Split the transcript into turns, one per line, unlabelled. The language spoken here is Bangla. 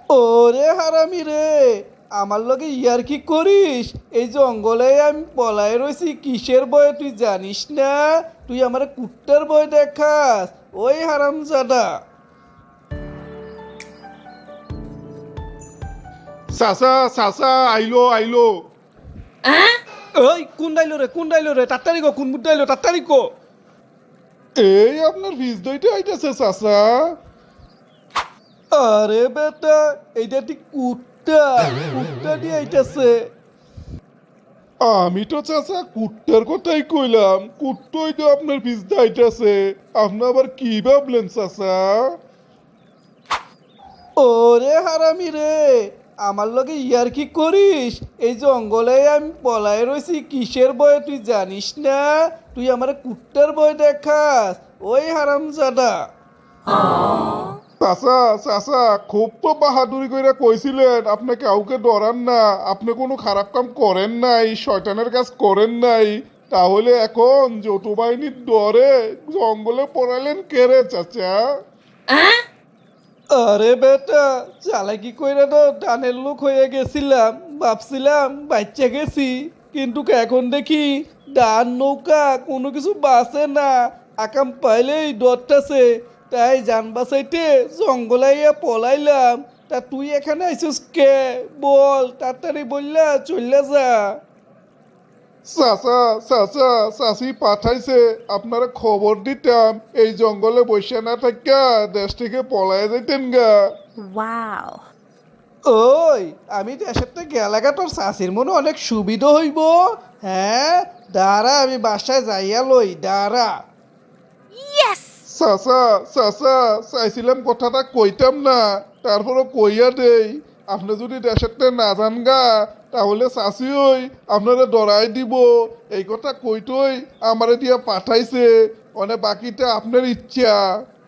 ওরে হারামি রে, আমার লগে ইয়ার কি করিস? এই জঙ্গলে আমি পলায় রয়েছি কিসের ভয়ে তুই জানিস না? তুই আমার কুত্তার ভয় দেখাস? ওই হারামজাদা!
চাচা চাচা আইলো আইলো।
ওই কোন ডাইলো রে, কোন ডাইলো রে? তাড়াতাড়ি গো, কোন মুড ডাইলো? তাড়াতাড়ি গো!
এই আপনার ফিস দইটা আইতাছে চাচা।
আরে বেটা, এইটা ঠিক কুত্তা, কুত্তা দিয়ে আইতাছে।
আমি তো চাচা কুট্টার কথাই কইলাম, কুট্টই তো আপনার ফিস আইতাছে। আপনি আবার কি ভাবলেন চাচা?
ওরে হারামি রে, আমার লগে ইয়ার কি করিস? এই জঙ্গলে আমি পলায় রয়েছি কিসের ভয়ে তুই জানিস না? তুই আমার কুত্তার ভয় দেখাস? ওই হারামজাদা!
চাচা চাচা খুব তো বাহাদুরি কইরা কইছিলেন আপনি কাউকে ডরান না, আপনি কোনো খারাপ কাম করেন নাই, শয়তানের কাজ করেন নাই। তাহলে এখন যৌথ বাহিনীর ডরে জঙ্গলে পড়ালেন কেরে চাচা?
আরে বেটা, চালাকি কইরা তো ডানের লোক হয়ে গেছিলাম, ভাবছিলাম বাচ্চা গেছি, কিন্তু এখন দেখি ডান নৌকা কোনো কিছু বাঁচে না, আকাম পাইলেই ডরটাছে, তাই যান বাঁচাইতে জঙ্গলাইয়া পলাইলাম। তা তুই এখানে আইছিস কে? বল, তাড়াতাড়ি বললা চললা যা।
চাচা চাচা চাচি পাঠাইছে আপনারা খবর দিতাম, এই জঙ্গলে বসে না থাকা দেশ থেকে পলায় যাইতেন গা।
Wow.
ওই, আমি দেশের থেকে গেলাগা, তোর চাষির মনে অনেক সুবিধা হইব। হ্যাঁ, দাঁড়া, আমি বাসায় যাইয়া লই, দাঁড়া।
Yes!
চাচা চাচা চাইছিলাম কথাটা কইতাম না, তারপরও কইয়া দেই। আপনি যদি দেশেরটা না যান গা, তাহলে চাচি ওই আপনারা ডরাই দিব। এই কথা কইতই আমারে দিয়া পাঠাইছে, মানে বাকিটা আপনার ইচ্ছা।